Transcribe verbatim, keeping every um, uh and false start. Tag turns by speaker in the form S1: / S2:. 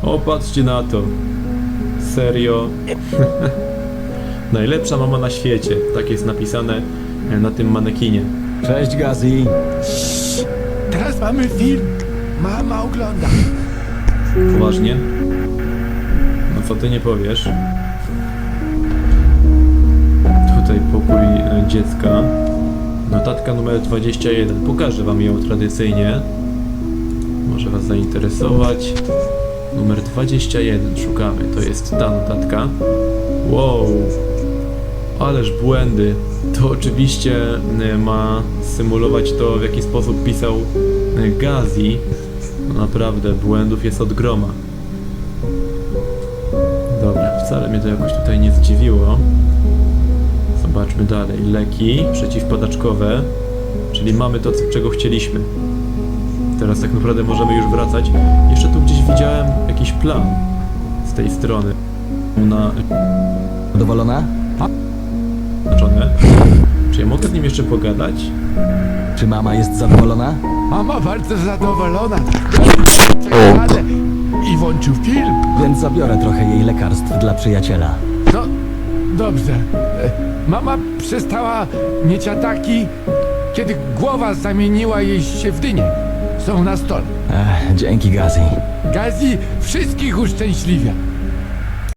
S1: O, patrzcie na to. Serio. Najlepsza mama na świecie. Tak jest napisane na tym manekinie.
S2: Cześć, Gazi.
S3: Teraz mamy film. Mama ogląda.
S1: Poważnie? No co ty nie powiesz? Tutaj pokój e, dziecka. Notatka numer dwadzieścia jeden. Pokażę wam ją tradycyjnie. Może was zainteresować. Numer dwadzieścia jeden. Szukamy. To jest ta notatka. Wow. Ależ błędy. To oczywiście e, ma symulować to, w jaki sposób pisał e, Gazi. No naprawdę, błędów jest od groma. Dobra, wcale mnie to jakoś tutaj nie zdziwiło. Zobaczmy dalej. Leki przeciwpadaczkowe. Czyli mamy to, czego chcieliśmy. Teraz tak naprawdę możemy już wracać. Jeszcze tu gdzieś widziałem jakiś plan z tej strony. Na...
S2: Zadowolona?
S1: Znaczone. Czy ja mogę z nim jeszcze pogadać?
S2: Czy mama jest zadowolona?
S3: Mama bardzo zadowolona. Ale i włączył film.
S2: Więc zabiorę trochę jej lekarstw dla przyjaciela.
S3: No, dobrze. E, Mama przestała mieć ataki, kiedy głowa zamieniła jej się w dynię. Są na stole.
S2: Ech, dzięki, Gazi.
S3: Gazi wszystkich uszczęśliwia.